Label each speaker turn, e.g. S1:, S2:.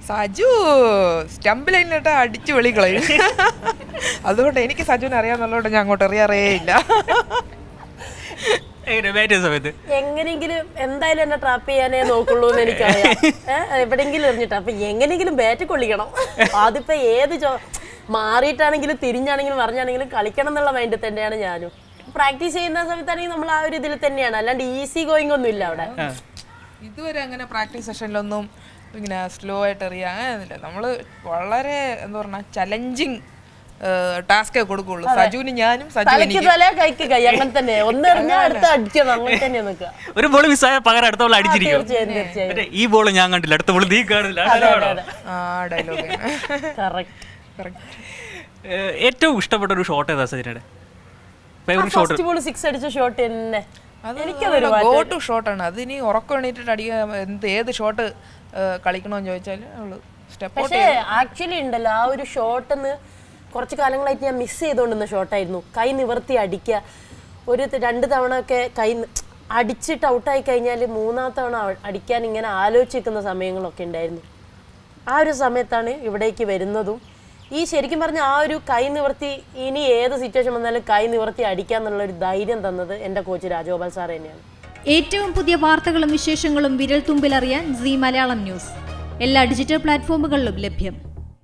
S1: Saju stump ലൈനിലിട്ട് അടിച്ചു വെളിക്കളയും. അതുകൊണ്ട് എനിക്ക് സജുവിനെ അറിയാന്നുള്ളതുകൊണ്ട് ഞാൻ അങ്ങോട്ട് എറിയാറേ ഇല്ല.
S2: സമയത്ത്
S3: എങ്ങനെയെങ്കിലും എന്തായാലും എന്നെ ട്രാപ്പ് ചെയ്യാനേ നോക്കുള്ളൂ എന്ന് എനിക്കറിയാം. എവിടെയെങ്കിലും എറിഞ്ഞിട്ട് അപ്പൊ എങ്ങനെയെങ്കിലും ബാറ്റ് കൊള്ളിക്കണം. അതിപ്പോ ഏത് മാറിയിട്ടാണെങ്കിലും തിരിഞ്ഞാണെങ്കിലും പറഞ്ഞാണെങ്കിലും കളിക്കണം എന്നുള്ള മൈൻഡിൽ തന്നെയാണ് ഞാനും. പ്രാക്ടീസ് ചെയ്യുന്ന സമയത്താണെങ്കിൽ നമ്മൾ ആ ഒരു ഇതിൽ തന്നെയാണ്, അല്ലാണ്ട് ഈസി ഗോയിങ് ഒന്നും ഇല്ല അവിടെ.
S1: ഇതുവരെ അങ്ങനെ പ്രാക്ടീസ് സെഷനിലൊന്നും ഇങ്ങനെ സ്ലോ ആയിട്ട് എറിയാ അങ്ങനെയൊന്നുമില്ല. നമ്മള് വളരെ എന്താ പറഞ്ഞ ചലഞ്ചിങ് ടാസ്കേ കൊടുക്കുള്ളൂ. സജുവിന് ഞാനും
S3: തലയ്ക്ക് തല കൈക്ക് കൈ അങ്ങനെ തന്നെ. ഒന്ന് എറിഞ്ഞാൽ അടുത്ത അടിക്കണം, അങ്ങനെ തന്നെ നിൽക്കുക.
S2: ഒരു ബോൾ മിസ്സായ പകരം അടുത്ത ബോൾ അടിച്ചിരിക്കും.
S3: തീർച്ചയായും
S2: ഈ ബോൾ ഞാൻ കണ്ടില്ല, അടുത്ത ബോൾ നീ കാണില്ല.
S1: ഡയലോഗ്.
S2: ഏറ്റവും ഇഷ്ടപ്പെട്ട ഒരു ഷോട്ട് ഏതാ സജിനയുടെ ഫേവറേറ്റ് ഷോട്ട്?
S3: ഫസ്റ്റ് ബോൾ 6 അടിച്ച ഷോട്ട് തന്നെ
S1: ഗോ ടു ഷോട്ടാണ്. അത് ഇനി ഉറക്കം എണീറ്റിട്ട് അടിക്കാൻ ഏത് ഷോട്ട് കളിക്കണമെന്ന് ചോദിച്ചാൽ അവള് സ്റ്റെപ്പ്.
S3: പക്ഷേ ആക്ച്വലി ഉണ്ടല്ലോ ആ ഒരു ഷോട്ടെന്ന് കുറച്ച് കാലങ്ങളായിട്ട് ഞാൻ മിസ് ചെയ്തുകൊണ്ടിരുന്ന ഷോട്ടായിരുന്നു. കൈ നിവർത്തി അടിക്കുക. ഒരു 2 തവണ ഒക്കെ കൈ അടിച്ചിട്ട് ഔട്ടായി കഴിഞ്ഞാൽ 3ാമത്തെ തവണ അടിക്കാൻ ഇങ്ങനെ ആലോചിക്കുന്ന സമയങ്ങളൊക്കെ ഉണ്ടായിരുന്നു. ആ ഒരു സമയത്താണ് ഇവിടേക്ക് വരുന്നതും ഈ ശരിക്കും പറഞ്ഞ ആ ഒരു കൈ നിവർത്തി ഇനി ഏത് സിറ്റുവേഷൻ വന്നാലും കൈ നിവർത്തി അടിക്കാന്നുള്ള ഒരു ധൈര്യം തന്നത് എൻ്റെ കോച്ച് രാജഗോപാൽ സാർ തന്നെയാണ്.
S4: ഏറ്റവും പുതിയ വാർത്തകളും വിശേഷങ്ങളും വിരൽ തുമ്പിലറിയാൻ സീ മലയാളം ന്യൂസ് എല്ലാ ഡിജിറ്റൽ പ്ലാറ്റ്ഫോമുകളിലും ലഭ്യം.